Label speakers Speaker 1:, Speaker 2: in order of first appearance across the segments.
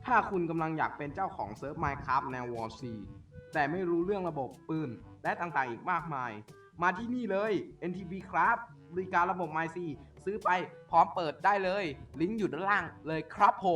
Speaker 1: ถ้าคุณกำลังอยากเป็นเจ้าของเซิร์ฟ Minecraft แนว War C แต่ไม่รู้เรื่องระบบปืนและต่างๆอีกมากมายมาที่นี่เลย NTB ครับบริการระบบ MyC ซื้อไปพร้อมเปิดได้เลยลิงก์อยู่ด้านล่างเลยครับผม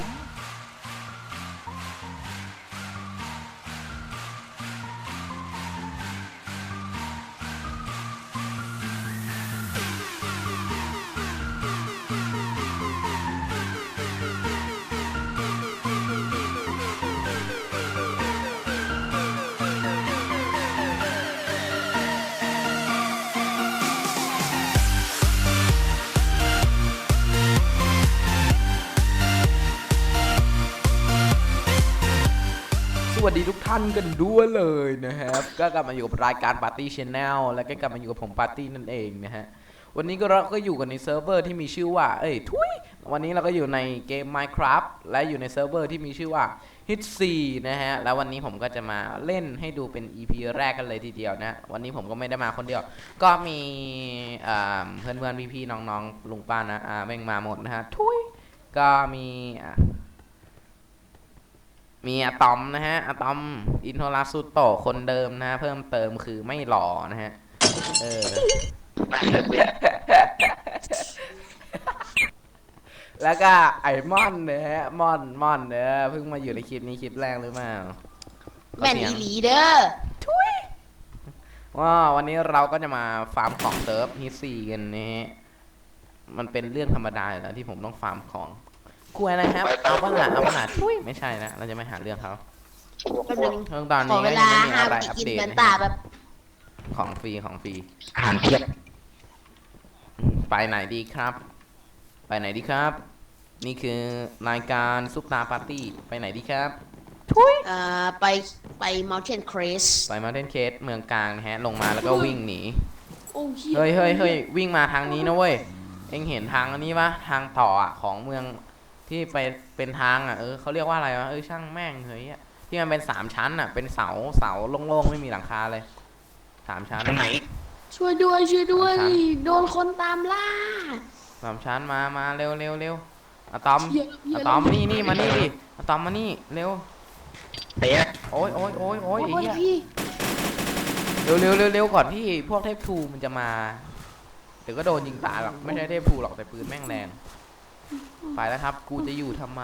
Speaker 1: สวัสดีทุกท่านกันด้วยเลยนะครับก็กลับมาอยู่กับรายการปาร์ตี้ชแนลและก็กลับมาอยู่กับผมปาร์ตี้นั่นเองนะฮะวันนี้เราก็อยู่กันในเซิร์ฟเวอร์ที่มีชื่อว่าวันนี้เราก็อยู่ในเกม Minecraft และอยู่ในเซิร์ฟเวอร์ที่มีชื่อว่า Hit4 นะฮะแล้ววันนี้ผมก็จะมาเล่นให้ดูเป็น EP แรกกันเลยทีเดียวนะวันนี้ผมก็ไม่ได้มาคนเดียวก็มีเพื่อนๆพี่ๆน้องๆลุงป้านะแม่งมาหมดนะฮะก็มีอะตอมนะฮะอะตอมอินโทราสุโตะคนเดิมนะฮะเพิ่มเติมคือไม่หล่อนะฮะแล้วก็ไอมอนนะฮะมอนเพิ่งมาอยู่ในคลิปนี้คลิปแรกหรือเปล่า
Speaker 2: แม่นอีหลีเด้อ
Speaker 1: ว่าวันนี้เราก็จะมาฟาร์มของเซิร์ฟฮิตซีกันนะฮะมันเป็นเรื่องธรรมดาอยู่แล้วที่ผมต้องฟาร์มของคุยอะไรครับเอาปัญหาไม่ใช่นะเราจะไม่หาเรื่องเขา
Speaker 2: แป๊บนึง
Speaker 1: เรื่องตอน
Speaker 2: ขอ
Speaker 1: นี้
Speaker 2: เว
Speaker 1: ก็ยั
Speaker 2: ลาง
Speaker 1: ไม่มี
Speaker 2: ห้า
Speaker 1: อะไร
Speaker 2: วิ
Speaker 1: อัป
Speaker 2: กิน
Speaker 1: เดต
Speaker 2: เหมือน
Speaker 1: นะ
Speaker 2: ตา
Speaker 1: ฮะ
Speaker 2: แบบ
Speaker 1: ของฟรี
Speaker 3: อ่านเทียบ
Speaker 1: ไปไหนดีครับไปไหนดีครับนี่คือรายการซุปตาปาร์ตี้ไปไหนดีครับ
Speaker 2: ไป Mountain Crest
Speaker 1: ไปมาเทนเคสเมืองกลางนะฮะลงมาแล้วก็วิ่งหนี
Speaker 2: โอ้
Speaker 1: เฮ้ยวิ่งมาทางนี้นะเว้ยเอ็งเห็นทางอันนี้ปะทางต่ออ่ะของเมืองที่ไปเป็นทางอ่ะเขาเรียกว่าอะไรวะช่างแม่งเฮ้ยที่มันเป็น3 ชั้นอ่ะเป็นเสาโล่งๆไม่มีหลังคาเลย3 ชั้น
Speaker 3: ไหน
Speaker 2: ช่วยด้วยโดนคนตามล่า
Speaker 1: 3 ชั้นมาเร็วอะตอมนี่มานี่ดิอะตอมมานี่เร็ว
Speaker 3: เตะ
Speaker 1: โอ้ยไอ้เหี้ย
Speaker 2: พี่
Speaker 1: เร็วก่อนที่พวกเทพทูมันจะมาเดี๋ยวก็โดนยิงตายหรอกไม่ใช่เทพทูหรอกแต่ปืนแม่งแรงไปแล้วครับกูจะอยู่ทำไม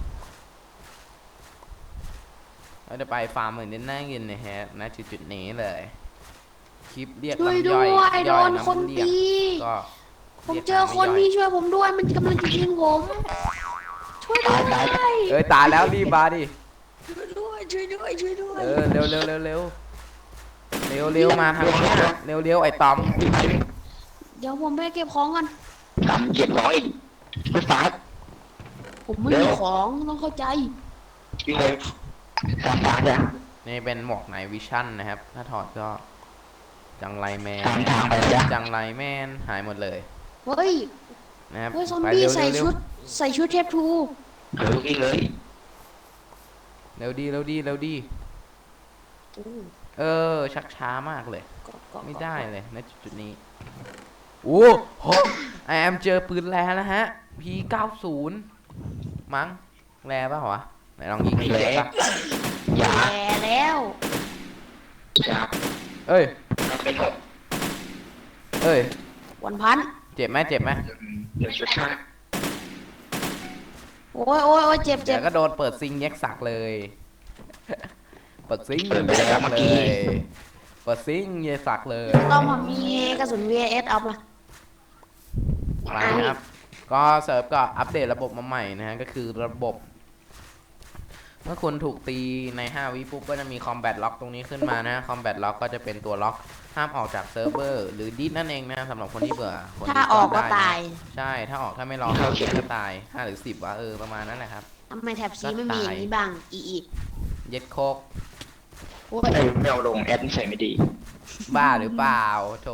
Speaker 1: เราจะไปฟาร์มเหมือนเน่ากินนะฮะณจุดนี้เลยคลิปเรียก
Speaker 2: ช่วย
Speaker 1: ลำ
Speaker 2: ด้
Speaker 1: ย่อย
Speaker 2: วยโดนคนตี
Speaker 1: ก็
Speaker 2: ผมเจอคนพี่ช่วยผมด้วยมันกำลังจะยิงผมช่วยด้วย
Speaker 1: ตายแล้วรีบมาดิ
Speaker 2: ช่วยด้วย
Speaker 1: เร็วมาทางนี้เร็วไอ้ตอม
Speaker 2: เดี๋ยวผมไปเก็บของก่อน
Speaker 3: 3,700ไม่ฝาก
Speaker 2: ผมไม่มีของต้องเข้าใจ
Speaker 3: วิ่งเลยฝากเลย
Speaker 1: นี่เป็นหมวกไหนวิชั่นนะครับถ้าถอดก็จังไรแมนหายหมดเลย
Speaker 2: เฮ้ย
Speaker 1: นะครับ
Speaker 2: ซอมบี้ใส่ชุดเทพทู
Speaker 3: วิ่งเลย
Speaker 1: เร็วดีชักช้ามากเลยไม่ได้เลยณจุดนี้โอ้โหไอแอมเจอปืนแร่แล้วฮะ P90 มั้งแร่ป่ะวะไหนลองยิงเลยป่ะ
Speaker 2: อย่าแล้ว
Speaker 1: เอ้ย
Speaker 2: วันพัน
Speaker 1: เจ็บไหม
Speaker 2: โอ้ยเจ็บ
Speaker 1: เดี๋ยวก็โดนเปิดซิงแยกสักเลยเปิดซิงแยกสักเลยเปิดซิงแยกสักเลย
Speaker 2: ต้องมีกระสุน VS เอามา
Speaker 1: อะไรครับก็เซิร์ฟก็อัปเดตระบบมาใหม่นะฮะก็คือระบบเมื่อคุณถูกตีใน5 วิปุ๊บก็จะมีคอมแบทล็อกตรงนี้ขึ้นมานะคอมแบทล็อกก็จะเป็นตัวล็อกห้ามออกจากเซิร์ฟเวอร์หรือดิสนั่นเองนะสำหรับคนที่เบื่อ
Speaker 2: ถ้าออกก็ตาย
Speaker 1: ใช่ถ้าออกถ้าไม่รอเข้าเกมก็ตาย5 หรือ 10วะประมาณนั้นแหละครับ
Speaker 2: ทำไมแท็บซีไม่มีอย่างนี้บ้าง
Speaker 1: เย็ดโคก
Speaker 3: ไม่เอาลงแอดใส่ไม่ดี
Speaker 1: บ้าหรือเปล่าโถ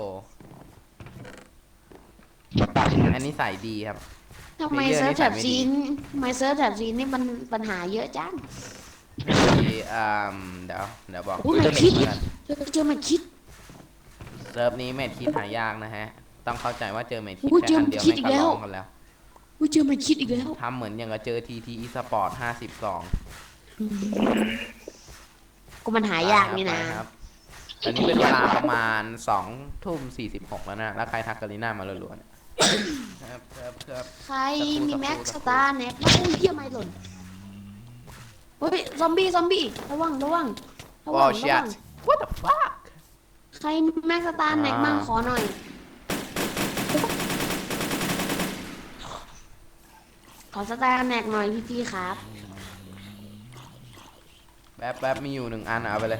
Speaker 1: อันนี้ใส่ดีครับ
Speaker 2: ทำไมเซิร์ฟแท็บซีนี่มันปัญหาเยอะจัง
Speaker 1: เดี๋ยวบอก
Speaker 2: เจอมันคิด
Speaker 1: เซิร์ฟนี้เมทคิดหายากนะฮะต้องเข้าใจว่าเจอเมทคิดแค่อันเดียวไม่กระลองกันแล้ว
Speaker 2: อุ้ยเจอมันคิดอีกแล้ว
Speaker 1: ทำเหมือนอย่างกับเจอทีทีอีสปอร์ต52
Speaker 2: ก็มันหายากนี่นะ
Speaker 1: ครับตอนนี้เป็นเวลาประมาณ2:46แล้วนะ แล้วใครทักกาลิน่ามาล้วนๆครับ
Speaker 2: ใครมีแม็กสตาร์แน็กโอ้ยเหี้ยไม่หล่นเฮ้ยซอมบี้ระวัง
Speaker 1: โอ้ shit what the fuck
Speaker 2: ใครมีแม็กสตาร์แน็กมั่งขอหน่อย ขอสตาร์แน็กหน่อยพี่ครับ
Speaker 1: แป๊บมีอยู่1 อันเอาไปเลย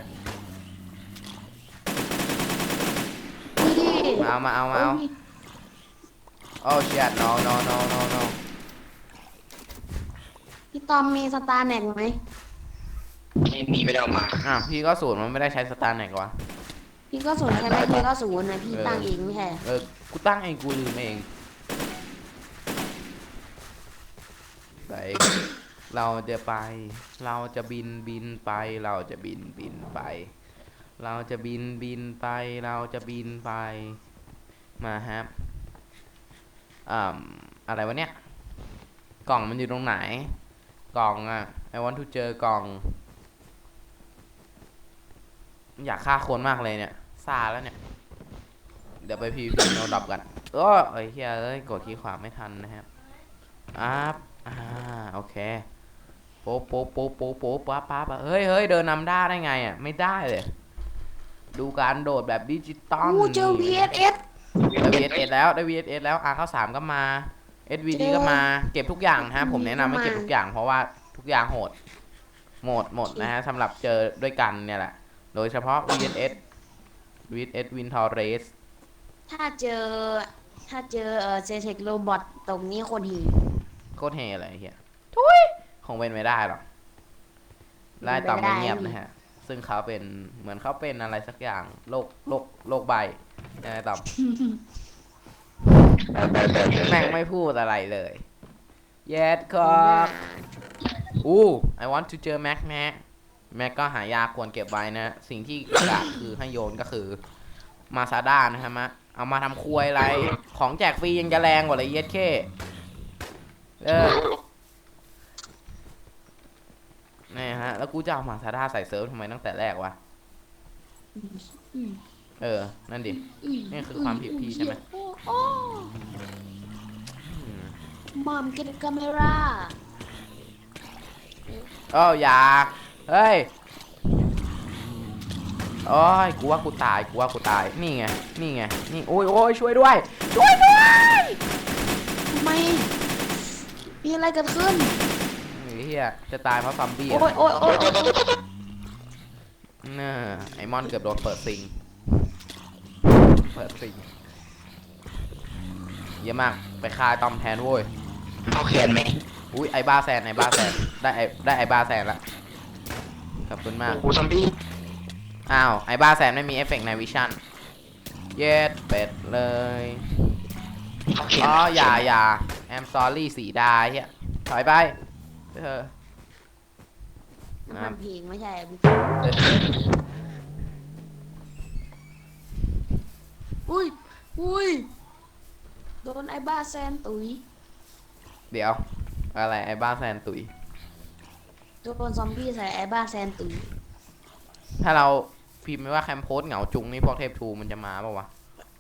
Speaker 2: พี่
Speaker 1: มาเอา
Speaker 2: โอ้ย
Speaker 1: โอ้ shit no
Speaker 2: พี่ตอมมีสตาร์แน็กไหม
Speaker 3: ไม่มีไม่ได้เอามา
Speaker 1: พี่ก็ศูนย์มันไม่ได้ใช้สตาร์แน็กวะ
Speaker 2: พี่ก็ศูนย์ใช่ไหมพี่ก็ศูนย์นะพี่ตั้งเองไม่ใช่
Speaker 1: กูตั้งเองกูลืมเองไปเราจะไป เราจะบินไป เราจะบินไป เราจะบินไป เราจะบินไป มาฮะอะไรวะเนี่ย กล่องมันอยู่ตรงไหน กล่องอ่ะ I want to เจอกล่อง อยากฆ่าคนมากเลยเนี่ยซาแล้วเนี่ย เดี๋ยวไปพีพีโนดับกันเอ้ยเฮียกดคีย์ขวาไม่ทันนะครับโอเคโป๊ป๊าเฮ้ยเดินนำได้ไงอ่ะไม่ได้เลย ดูการโดดแบบดิจิตอล
Speaker 2: อู้เจอ VSS
Speaker 1: ได้ VSS แล้วได้ VSS แล้วเข้า3ก็มา SVD ก็มาเก็บทุกอย่างนะฮะผมแนะนำให้เก็บทุกอย่างเพราะว่าทุกอย่างโหดหมดนะฮะสำหรับเจอด้วยกันเนี่ยแหละโดยเฉพาะ VSS Win Torres
Speaker 2: ถ้าเจอเซเทคโรบอทตรงนี้คนหี
Speaker 1: โคตรเฮอะไรเฮียทุยคงเป็นไม่ได้หรอกไล่ต่อมไม่เงียบนะฮะซึ่งเขาเป็นเหมือนเขาเป็นอะไรสักอย่างโรคใบนะต่อมแม่งไม่พูดอะไรเลยเย็ดครับI want to เจอแม็กนะแม็กก็หายากควรเก็บไว้นะสิ่งที่กะคือให้โยนก็คือมาซาด้านะครับเอามาทำครัวอะไรของแจกฟรียังจะแรงกว่าเลยเย็ดเข้นี่ฮะแล้วกูจะเอามาซาด้าใส่เซิร์ฟทำไมตั้งแต่แรกวะนั่นดินี่คือความผิดพี่ใช่ไหม
Speaker 2: มอมเก็ตกาเมร่า
Speaker 1: อย่าเฮ้ยโอ้ยกูว่ากูตายนี่ไงนี่โอ้ยช่วยด้วย
Speaker 2: ทำไมมีอะไรเกิดขึ้น
Speaker 1: เฮียจะตายเพราะซอมบี้
Speaker 2: โอ้ย
Speaker 1: น่าไอมอนเกือบโดนเปิดซิงเยอะมากไปฆ่าตอมแทนโว้ย
Speaker 3: เอาแขนไหม
Speaker 1: อุ้ยไอบ้าแซนได้ไอบ้าแซนละขอบคุณมาก
Speaker 3: กูซอมบี้
Speaker 1: ไอบ้าแซนไม่มีเอฟเฟกต์ในวิชั่นเย็ดเป็ดเลยอย่าแอมซอรี่สีดาเฮียถอยไป
Speaker 2: น้ำมันเพลงไม่ใช่อุ้ยโดนไอ้บ้าแซนตุ๋ย
Speaker 1: เดี๋ยวอะไรไอ้บ้าแซนตุย
Speaker 2: โดนซอมบี้ใส่ไอ้บ้าแซนตุ๋ย
Speaker 1: ถ้าเราพิมพ์ไม่ว่าแคมโพสเหงาจุงนี่พวกเทพทูมันจะมาป่าวะ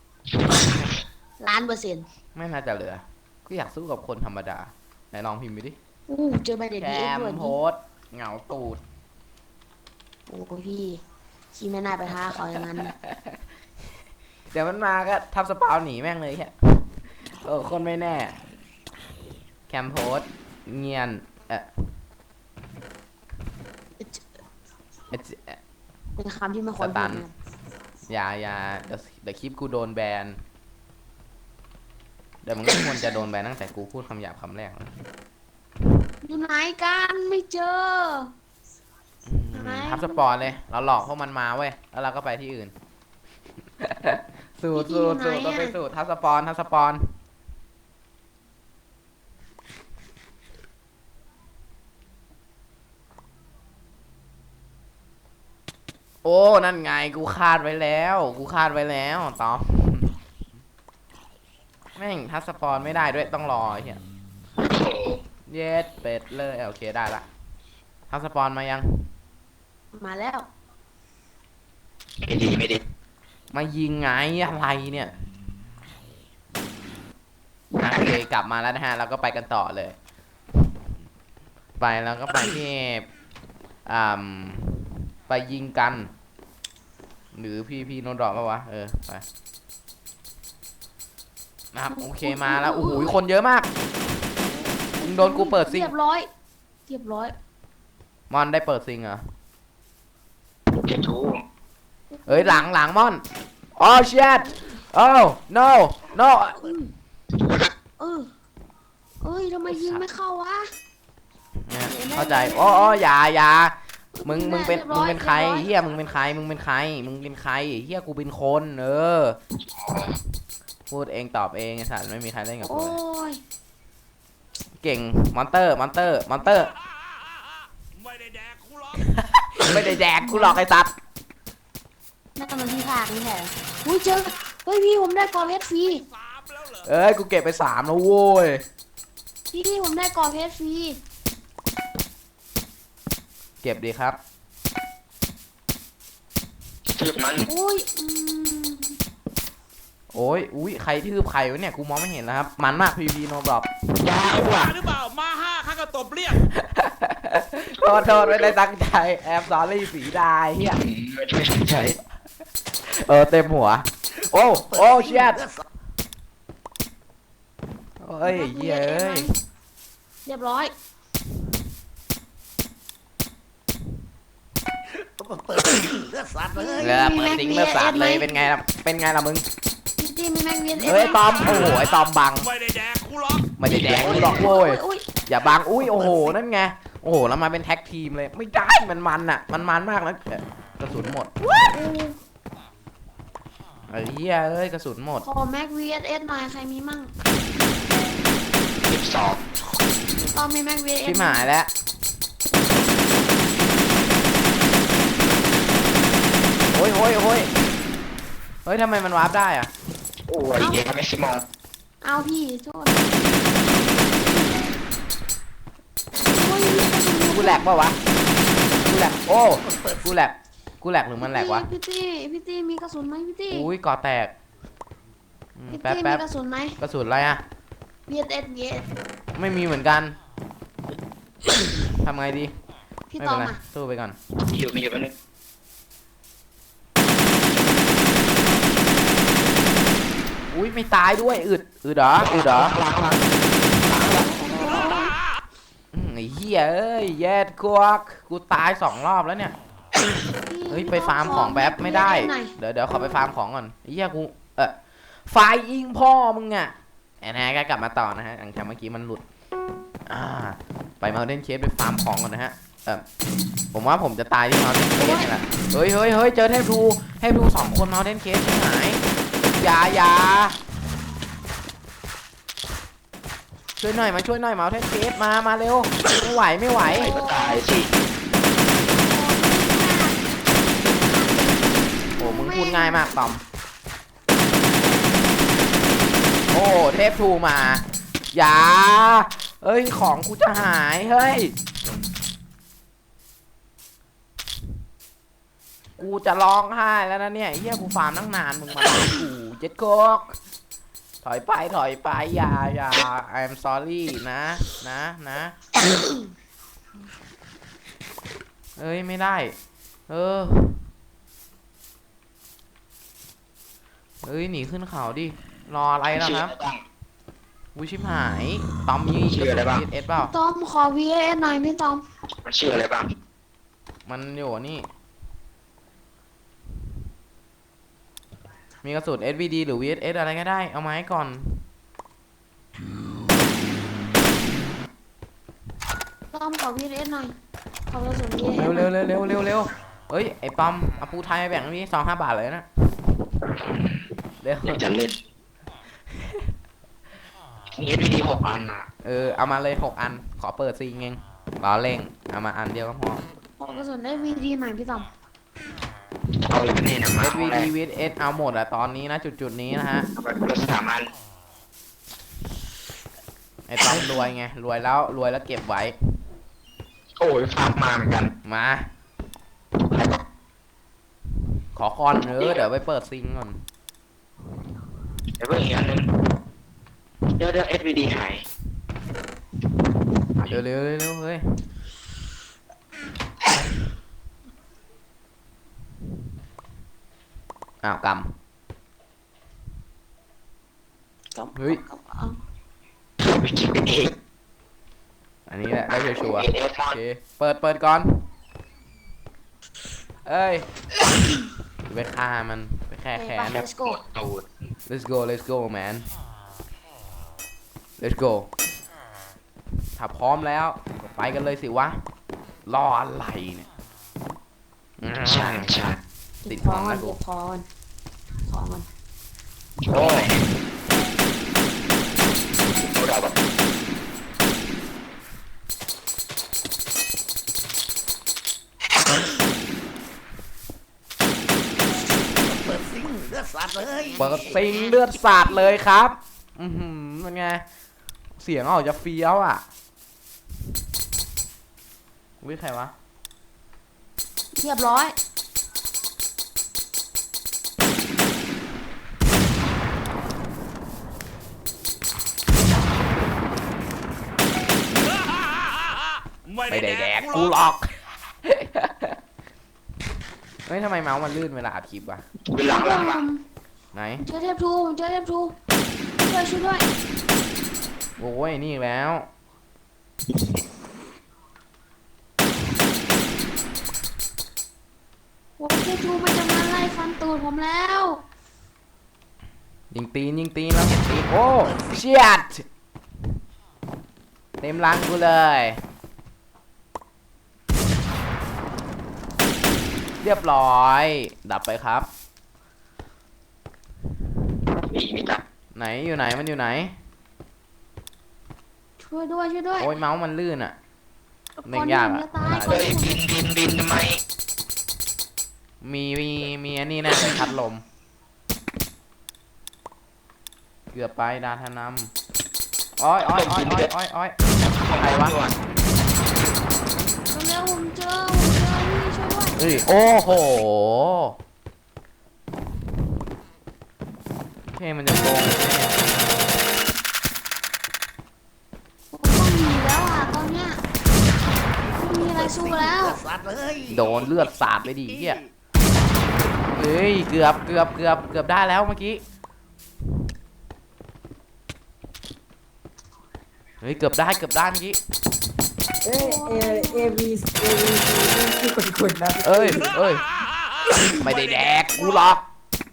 Speaker 2: 1,000,000%
Speaker 1: ไม่น่าจะเหลือก็อยากสู้กับคนธรรมดาไหนลองพิมพ์ไปดิ
Speaker 2: เจอใบเด็ด
Speaker 1: แค
Speaker 2: ดีเอ็ก
Speaker 1: ม
Speaker 2: ด้วย
Speaker 1: โพสเหงาตูด
Speaker 2: โอ้พี่ขี้ไม่น่าไปท้าเขาอย่างนั้น
Speaker 1: เดี๋ยวมันมาก็ทับสปาวหนีแม่งเลยแค่คนไม่แน่แคมโพสเงียน
Speaker 2: เป็นคำที่ไม่ควรพูดนะ
Speaker 1: อย่าเดี๋ยวคลิปกูโดนแบนเดี๋ยวมันก็ควรจะโดนแบนตั้งแต่กูพูดคำหยาบคำแรกนะ
Speaker 2: อยู่ไหนกันไม่เจอ
Speaker 1: ทับสปอนเลยเราหลอกพวกมันมาเว้ยแล้วเราก็ไปที่อื่น สูตรเราไปสูตรทับสปอนโอ้นั่นไงกูคาดไว้แล้วตอมแม่งทับสปอนไม่ได้ด้วยต้องรอไอ้เหี้ยเย็ดเป็ดเลยโอเคได้ละทำสปอนมายัง
Speaker 2: มาแล้ว
Speaker 3: ไม่ดีไม่ดี
Speaker 1: มายิงไงอะไรเนี่ยโอเคกลับมาแล้วนะฮะเราก็ไปกันต่อเลย ไปแล้วก็ไปที่ไปยิงกัน หรือพี่โนดอกปะวะไปนะครับโอเคมาแล้วโอ้โหคนเยอะมากมึงโดนกูเปิดซิง
Speaker 2: เรียบร้อย
Speaker 1: มอนได้เปิดซิงเหรอ
Speaker 3: เจ็บทู
Speaker 1: เอ้ยหลังมอนอ๋อ shit oh no no
Speaker 2: เอ้ยทำไมยิงไม่เข้าวะ
Speaker 1: เนี่ยเข้าใจอ๋ออย่ามึงเป็นใครเฮียมึงเป็นใครเฮียกูเป็นคนพูดเองตอบเองไอ้สัตว์ไม่มีใครเล่นกับกู
Speaker 2: โอ้
Speaker 1: เลย
Speaker 2: ย
Speaker 1: เก่งมอนเตอร์
Speaker 4: ไม่ได้แดกกูหรอก
Speaker 1: ไม่ได้แดกกูหรอกไอ้สัตว์
Speaker 2: นั่นมันที่ภาคนี่แหละอุ้ยเจอเฮ้ยพี่ผมได้กอเพชรฟรี
Speaker 4: สามแล้วเหรอ
Speaker 1: เอ้ยกูเก็บไป3แล้วโว้ย
Speaker 2: พี่ผมได้กอเพชรฟรี
Speaker 1: เก็บดีครับ
Speaker 3: ทึบมัน
Speaker 2: อุ้ย
Speaker 1: โอ้ยอุ้ยใครทืบใครวะเนี่ยกูมองไม่เห็นแล้วครับมันมากพีโนบล็อก
Speaker 3: ยาวอ่ะ
Speaker 4: หรือเปล่ามาห้าข้าก็ตบเรียก
Speaker 1: โทษไม่ได้ตั้งใจแอบซอรี่สีดายเฮีย
Speaker 3: ไม่สนใจ
Speaker 1: เต็มหัวโอ้เชียดเฮ้ยเย้ย
Speaker 2: เรียบร้อย
Speaker 4: เปิดเลือดสัตว์เลย
Speaker 1: เปิดซิงเลือดสาดเลยเป็นไงล่ะมึง
Speaker 2: พี่มีแม็กเวียน
Speaker 1: เฮ้ยตอมโอ้โหไอ้ตอมบัง
Speaker 4: ไม่ได้แดกกูหรอก
Speaker 1: ไม่ได้แดกกูหรอกโว้ย
Speaker 2: อุ้ย
Speaker 1: อย่าบังอุ้ยโอ้โหนั่นไงโอ้โหแล้วมาเป็นแท็กทีมเลยไม่ได้มันอ่ะมันมากนะกระสุนหมดไอ้เหี้ยเอ้ยกระสุนหมด
Speaker 2: ขอแม็ก VSS หน่อยใครมีมั่ง
Speaker 3: 12
Speaker 2: ตอนมีแม็ก VSS
Speaker 1: ชิบหายแล้วโอ้ยเฮ้ยทำไมมันวาร์ปได้อ่ะ
Speaker 3: โอ้ยเย้ไม่สิมอง
Speaker 2: เอาพี่โทษโอ้ย
Speaker 1: กูแหลกปะวะกูแหลกโอ้กูแหลกหรือมันแหลกวะ
Speaker 2: พี่ตี้มีกระสุนไหมพี่ตี้
Speaker 1: อุ้ยก่อแตก
Speaker 2: พี่
Speaker 1: แป๊บ
Speaker 2: ตี้มีกระสุนไหม
Speaker 1: กระสุนอะไรอ่ะ
Speaker 2: VSS
Speaker 1: ไม่มีเหมือนกันทำไงดี
Speaker 2: พี่
Speaker 1: ไม่
Speaker 2: ตอ
Speaker 1: เป็น
Speaker 2: ม
Speaker 1: ไร
Speaker 2: อ่ะ
Speaker 1: สู้ไปก่อน
Speaker 3: อยู่มีอยู่แป๊บนึง
Speaker 1: อุ้ยไม่ตายด้วยอึดเหรอไอ้เหี้ยเอ้ยแย่กูตาย2 รอบแล้วเนี่ยเฮ้ยไปฟาร์มของแป๊บไม่ได้เดี๋ยวขอไปฟาร์มของก่อนไอ้เหี้ยกูไฟยิงพ่อมึงอ่ะแอนแฮก็กลับมาต่อนะฮะหลังจากเมื่อกี้มันหลุดไปมาเล่นเคสไปฟาร์มของก่อนนะฮะผมว่าผมจะตายที่มาเล่นเคสนี่แหละเฮ้ยเจอเทพทู2 คนมาเล่นเคสที่ไหนอย่าช่วยหน่อยมาเอาเทพเคสมาเร็วไม่ไหว
Speaker 3: ไอ้ก็ตายสิ
Speaker 1: โอ้มึงพูดง่ายมากตอมโอ้เทพทูมาอย่าเอ้ยของกูจะหายเฮ้ยกูจะร้องไห้แล้วนะเนี่ยเฮียกูฟาร์มตั้งนานมึงมากูเจ็ดโคกถอยไปอย่า I'm sorry นะเอ้ยไม่ได้เฮ้ยหนีขึ้นเขาดิรออะไรล่ะครับวิชิบหายตอมมีกระสุน VSS เปล่า
Speaker 2: ตอมขอ VSS หน่อยพี่ตอม
Speaker 3: มันชื่ออะไรบ้าง
Speaker 1: มันอยู่นี่มีกระสุน SVD หรือ VSS อะไรก็ได้เอามาให้ก่อน
Speaker 2: ตอมขอ VSS หน่อยขอกระสุน VSS
Speaker 1: เร็วเฮ้ยไอ้ปอมเอาปูไทยมาแบ่งพี่2-5 บาทเลยนะเร็ว
Speaker 3: อยากจะเล่นมี SVD 6 อันอ่ะ
Speaker 1: เอามาเลย6 อันขอเปิดซิงเองรอเร่งเอามาอันเดียวก็พอ
Speaker 2: ขอกระสุน SVD หน่อยพี่ตอม
Speaker 3: เอาเลยกันนี่นะมา
Speaker 1: SVD VSS เอาหมดอะตอนนี้นะจุดนี้นะฮะ
Speaker 3: เอาไปคนละ3 อัน
Speaker 1: อ้ตอมรวยไงรวยแล้วเก็บไว้
Speaker 3: โอ้ยฟาร์มมาเหมือนกัน
Speaker 1: มาขอคอนเดี๋ยวไปเปิดซิงก่อน
Speaker 3: เดี๋ยวเพิ่งอีกอันนึงเดี๋ยว SVD หาย
Speaker 1: เร็วเฮ้ยอ้าวก
Speaker 2: กับ
Speaker 1: เฮ้ย
Speaker 2: กับ
Speaker 3: ไปกินเอง
Speaker 1: ำอันนี้แหละได้ชัวร์
Speaker 3: เอ
Speaker 1: ๆ
Speaker 3: ฟ
Speaker 1: โอเคเปิดก่อนเอ้ยไปฆ่ามันไปแค่แค้น
Speaker 2: เลสโก้
Speaker 3: ตูด
Speaker 1: let's go man let's go ถ้าพร้อมแล้วก็ไปกันเลยสิวะรออะไรเนี่ย
Speaker 3: ใช่ใช่
Speaker 1: ติด
Speaker 2: พ
Speaker 1: พ
Speaker 2: อ
Speaker 1: ร้อม
Speaker 2: มั
Speaker 1: แล้
Speaker 2: น
Speaker 1: วกู
Speaker 2: เก็บพอมันพอมัน
Speaker 3: โอ้ยเราแบบ
Speaker 4: เปิดซิงเลือดสัตว์เลย
Speaker 1: เปิดซิงเลือดสาดเลยครับมันไงเสียงออกจะเฟี้ยวอ่ะวิใครวะ
Speaker 2: เรียบร้อย
Speaker 1: ไม่ได้แดกกูหรอก เฮ้ยทำไมเมาส์มันลื่นเวลาอัดคลิปวะ
Speaker 3: เป็นหลัง
Speaker 1: ไหน
Speaker 2: เจอเทพทูเจอเทพทูช่วยด้วย
Speaker 1: โอ้ยนี่อีกแล้ว
Speaker 2: โอ้เทพทูมันจะมาไล่ฟันตูดผมแล้ว
Speaker 1: ยิงตีนแล้วเห็นตีนโอ้เชียดเต็มรังกูเลยเรียบร้อยดับไปครับ
Speaker 3: มีจับ
Speaker 1: ไหนอยู่ไหนมันอยู่ไหน
Speaker 2: ช่วยด้วย
Speaker 1: โอ้ยเมาส์มันลื่นอ่ะ เล่
Speaker 2: คน
Speaker 1: น
Speaker 2: ห
Speaker 1: ยาก
Speaker 2: นึ่ง
Speaker 1: อะ
Speaker 2: จะตายค
Speaker 3: เฮ้
Speaker 2: น
Speaker 3: ย
Speaker 2: หนึ่ง
Speaker 3: บินทำไม
Speaker 1: มีอันนี้นะไปพัดลมเกือบไปดาธนำอ้อยใครวะ
Speaker 2: เร็วๆผมเจอพี่ช่วยด้วย
Speaker 1: เฮ้ยโอ้โหเท่มันจะโกง
Speaker 2: ผมต้องหนีแล้วอ่ะตอนเนี้ยไม่มีอะไรสู้แล้ว
Speaker 4: เลือดสัตว์เลย
Speaker 1: โดนเลือดสาดไปดิเหี้ยเฮ้ยเกือบได้แล้วเมื่อกี้เฮ้ยเกือบได้เมื่อกี้
Speaker 5: เอ้ยAV ที่คุณนะ
Speaker 1: เอ้ยไม่ได้แดกกูหรอก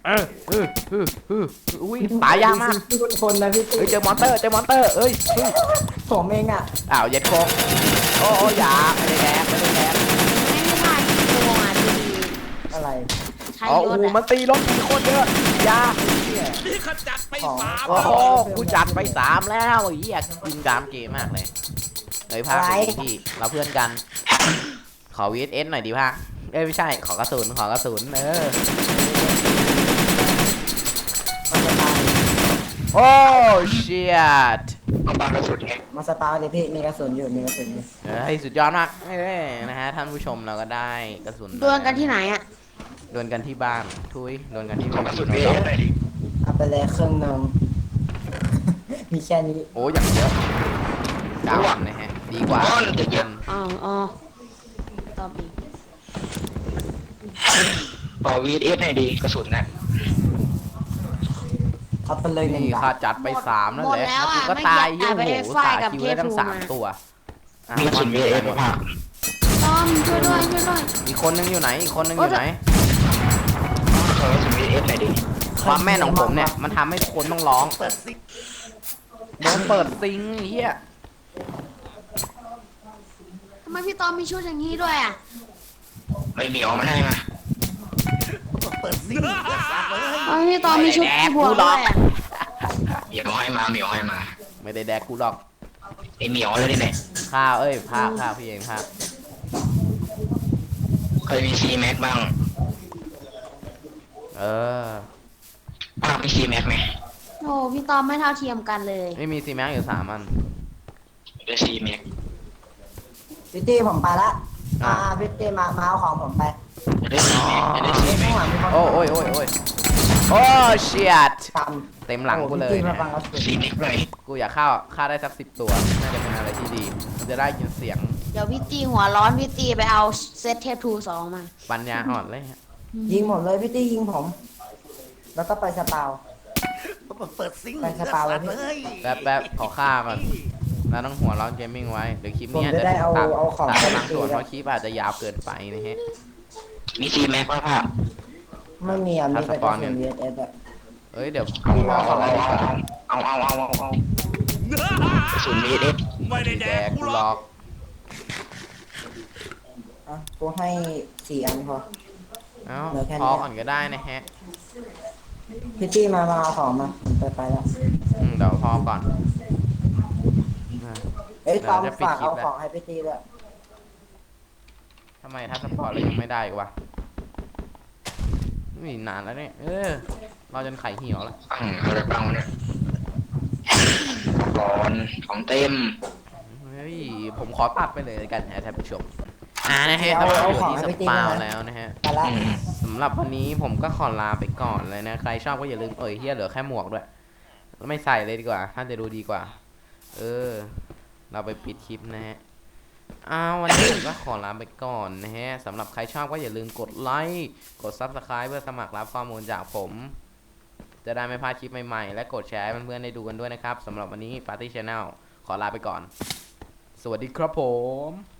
Speaker 1: อุ้ยตายยากมาก
Speaker 5: ที่คนนะพี่
Speaker 1: เฮ้ยเจอมอนเตอร์เอ้ย
Speaker 5: ผมเองอ่ะ
Speaker 1: อ้าวเย็ดโคงโอ้ยาไม่ได้แดก
Speaker 2: ไม่ได้ถ่ายกี่โมงอ่ะดี
Speaker 5: อะไร
Speaker 2: ๆใช้
Speaker 1: อ๋อ
Speaker 2: ร
Speaker 1: โอ้
Speaker 2: ถ
Speaker 1: โห
Speaker 2: อ่ะ
Speaker 1: มันตีรถตีโคตรเยอะยา
Speaker 4: นี่ขจัดไปสาม
Speaker 1: โอ้โหกูจัดไป3แล้วไอ้เหี้ยกินกามเกมมากเลยเฮ้ยภาคพี่เราเพื่อนกัน ขอ VSS หน่อยดิภาคเอ้ยไม่ใช่ขอกระสุนโอ้เชียด
Speaker 3: เอาปากกระสุนไง
Speaker 5: มาสตาร์เลยพี่มีกระสุนอยู่
Speaker 1: ให้สุดยอดมากนะฮะท่านผู้ชมเราก็ได้กระสุน
Speaker 2: ดวลกันที่ไหนอ่ะ
Speaker 1: ดวลกันที่บ้านทุยดวลกันที่
Speaker 3: ขอ
Speaker 1: บ้าก น
Speaker 3: ระสุนเวทหน่อยดิ
Speaker 5: เอาไปเลยเครื่องนึง มีแค่นี้
Speaker 1: โอ้อย่างเยอะ9 วันนะฮะดีกว่า
Speaker 3: ก้อนจะเย็น
Speaker 2: อ๋อตอบอีก
Speaker 3: ต่อ VS หน่อยดิกระสุนน่ะ
Speaker 5: เอาไปเลยหนึ่ง
Speaker 1: นี่
Speaker 5: บา
Speaker 1: ข้า
Speaker 5: ท
Speaker 1: จัดไป3นั่น
Speaker 2: หมด
Speaker 1: แหละ
Speaker 2: แล้ว
Speaker 1: กู
Speaker 2: อ่ะ
Speaker 1: ก็
Speaker 2: ไม่
Speaker 1: ตาย
Speaker 2: อยาก
Speaker 1: โอ้
Speaker 2: ไป
Speaker 1: โห
Speaker 2: ไฟ
Speaker 1: สา
Speaker 2: กับ
Speaker 1: คิว
Speaker 2: เท
Speaker 1: ได้
Speaker 2: พ
Speaker 1: ทั้ง
Speaker 2: ทูมา
Speaker 1: 3ตัวอ่ะ
Speaker 3: มีกระสุน VS ป่ะครับ
Speaker 2: ตอมช่วยด้วย
Speaker 1: อีกคนนึงอยู่ไหน
Speaker 3: ขอกระสุน VS หน่อยดิ
Speaker 1: ความแม่นของผมเนี่ยมันทำให้คนต้องร้อง
Speaker 4: เปิดซิง
Speaker 1: โดนเปิดซิงเฮีย
Speaker 2: ทำไมพี่ตอมมีชุดอย่างนี้ด้วยอ่ะ
Speaker 3: ไม่เหนียวมาให้มา
Speaker 4: เปิดซิงเลือดสัตว์เลย
Speaker 2: ทำไมพี่ตอมมีชุดบวกด้วยอ่ะ
Speaker 3: เหนียวให้มาเหนียวให้มา
Speaker 1: ไม่ได้แดกกูหรอก
Speaker 3: ไอเหนียวเลยนี่ไหน
Speaker 1: ข้าวภาคพี่เองภาค
Speaker 3: เคยมี C Max บ้าง
Speaker 1: เออ
Speaker 3: ภาคมี C Max ไหม
Speaker 2: โอ้พี่ตอมไม่เท่าเทียมกันเลย
Speaker 1: ไม่มีซีแม็กอยู่3 อัน
Speaker 3: เป็นซีแม็ก
Speaker 5: พี่ตี้ผมไปละพี่ตี้มาเอาของผมไป
Speaker 3: จะได้ซีแม็กจะได้ซี
Speaker 5: ข้า
Speaker 3: แม็
Speaker 5: ง
Speaker 3: ก
Speaker 5: หลังมีคน
Speaker 1: โอ้โอ้ยโอ้ยโอ้ยโอ้เชียด
Speaker 5: ต
Speaker 1: เต็ม
Speaker 5: ำ
Speaker 1: หลังกูเลย
Speaker 5: พี่ตี้มา
Speaker 1: นะ
Speaker 5: ฟังเราสุด
Speaker 3: ซีแม็กหน่อย
Speaker 1: กูอยากฆ่าได้สัก10 ตัว น่าจะเป็นอะไรที่ดี มันจะได้ยินเสียง
Speaker 2: เดี๋ยวพี่ตีหัวร้อนพี่ตีไปเอาเซตเทปทูสองมา
Speaker 1: ปัญญาอ่อนเลยฮะ
Speaker 5: ยิงหมดเลยพี่ตี้ยิงผม แล้วก็ไปสปาว
Speaker 4: เปิดซิง
Speaker 5: ไปสปาเลยพี่
Speaker 4: เลย
Speaker 1: แป๊บขอฆ่าก่อนเราต้องหัวร้อนเกมมิ่งไว้ เดี๋ยวคลิปนี้อาจ
Speaker 5: ผมจะได้เอา
Speaker 1: ตัด
Speaker 5: เอาของ
Speaker 1: ตัด
Speaker 5: ไป
Speaker 1: บางส่วน
Speaker 5: ตี
Speaker 1: เพราะคลิปอาจจะยาวเกินไปนะฮะ
Speaker 3: มีซีแม็กป่ะพ่ะ
Speaker 5: ไม่มีอ่ะมีแต่ก
Speaker 1: สป
Speaker 5: ระ
Speaker 1: อนเนี่
Speaker 5: สุ
Speaker 1: ย
Speaker 5: น VSS อ่ะ
Speaker 1: เอ้ยเดี๋ยว
Speaker 5: พี่มา
Speaker 1: เอาอะไรดีกว่า
Speaker 3: เอากระสุนมีเด็ด
Speaker 4: ไม่ได้
Speaker 1: สี
Speaker 4: แด
Speaker 1: แด
Speaker 4: ก
Speaker 1: ง
Speaker 4: กู
Speaker 1: กู
Speaker 4: หร
Speaker 1: ล็
Speaker 4: อ
Speaker 1: อก ก
Speaker 5: อ่ะกูให้4 อันพอ
Speaker 1: เอ้า
Speaker 5: เหลือแค่นี้
Speaker 1: พอก่อนก็ได้นะฮะ
Speaker 5: พี่ตี้มาเอาของมาผมไปแล้ว
Speaker 1: เดี๋ยวพอก่อนอ่ะ
Speaker 5: เอ้ยตอม
Speaker 1: เดี๋ยวจะปิด
Speaker 5: ฝาก
Speaker 1: คลิป
Speaker 5: เอา
Speaker 1: แล้ว
Speaker 5: ของให้พี่ตี้ด้วย
Speaker 1: ทำไมถ้าสปอร์ตเรายังไม่ได้อีกวะนี่นานแล้วเนี่ย เราจนไข่เหี่ยวแล้ว
Speaker 3: อะไรบ้างเนี่ยก่อนของเต็ม
Speaker 1: เฮ้ย ผมขอตัดไปเลยกันนะท่านผู้ชมนะฮะเราอยู่ที่สปาวแล้วนะฮะ
Speaker 5: ไปละ
Speaker 1: สำหรับวันนี้ผมก็ขอลาไปก่อนเลยนะ ใครชอบก็อย่าลืมเฮียเหลือแค่หมวกด้วย ไม่ใส่เลยดีกว่าท่านจะดูดีกว่า เราไปปิดคลิปนะฮะวันนี้ผมก็ขอลาไปก่อนนะฮะสำหรับใครชอบก็อย่าลืมกดไลค์กด Subscribe เพื่อสมัครรับข้อมูลจากผม จะได้ไม่พลาดคลิปใหม่ๆ และกดแชร์ให้เพื่อนๆได้ดูกันด้วยนะครับสำหรับวันนี้ Party Channel ขอลาไปก่อน สวัสดีครับผม